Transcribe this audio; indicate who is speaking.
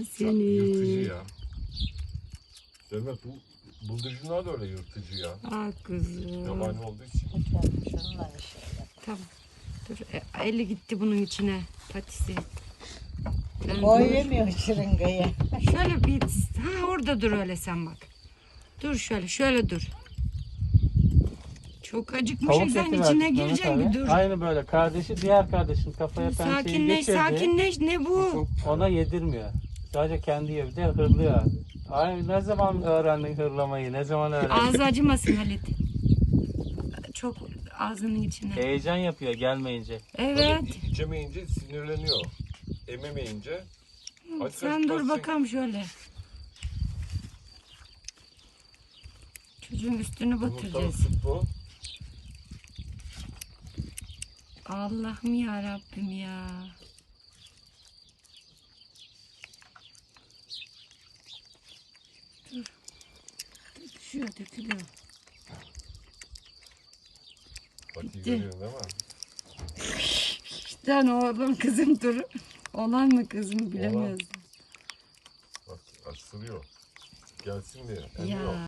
Speaker 1: seni.
Speaker 2: Yırtıcı ya. Demek bu bıldırcınlar da öyle yırtıcı ya.
Speaker 1: Ah kızım.
Speaker 2: Yabani olduğu için.
Speaker 3: Şununla bir şey yap.
Speaker 1: Tamam. Dur. Eli gitti bunun içine. Patisi. Ben
Speaker 3: O
Speaker 1: dur.
Speaker 3: yemiyor şırıngayı.
Speaker 1: Şöyle bir. Ha orada dur öyle sen bak. Dur şöyle. Şöyle dur. Çok acıkmış.
Speaker 4: Tavuk
Speaker 1: Sen
Speaker 4: eti
Speaker 1: içine
Speaker 4: verdik
Speaker 1: gireceksin
Speaker 4: Mehmet
Speaker 1: bir
Speaker 4: abi.
Speaker 1: dur.
Speaker 4: Aynı böyle. Kardeşi diğer kardeşin kafaya pençeyi
Speaker 1: Sakinleş
Speaker 4: geçirdi.
Speaker 1: sakinleş. Ne bu?
Speaker 4: Ona yedirmiyor. Sadece kendi yiyor. Bir de hırlıyor abi. Ay ne zaman öğrendin hırlamayı? Ne zaman öğrendin?
Speaker 1: Ağzı acımasın Halit. Çok ağzının içine.
Speaker 4: Heyecan yapıyor gelmeyince.
Speaker 1: Evet.
Speaker 2: Böyle içemeyince sinirleniyor. Ememeyince. Aç
Speaker 1: Sen
Speaker 2: aç
Speaker 1: dur
Speaker 2: baksın.
Speaker 1: bakalım şöyle. Çocuğun üstünü
Speaker 2: Yumurtalı
Speaker 1: batıracağız.
Speaker 2: süt bu.
Speaker 1: Allah'ım ya Rabbim ya. Dur. Düşüyor, dökülüyor.
Speaker 2: Bak iyi
Speaker 1: Bitti.
Speaker 2: görüyorsun değil mi?
Speaker 1: İşte oğlum kızım dur. Olan mı kızım bilemiyoruz.
Speaker 2: Bak ısırıyor. Gelsin diye. Emiyor.
Speaker 1: Ya.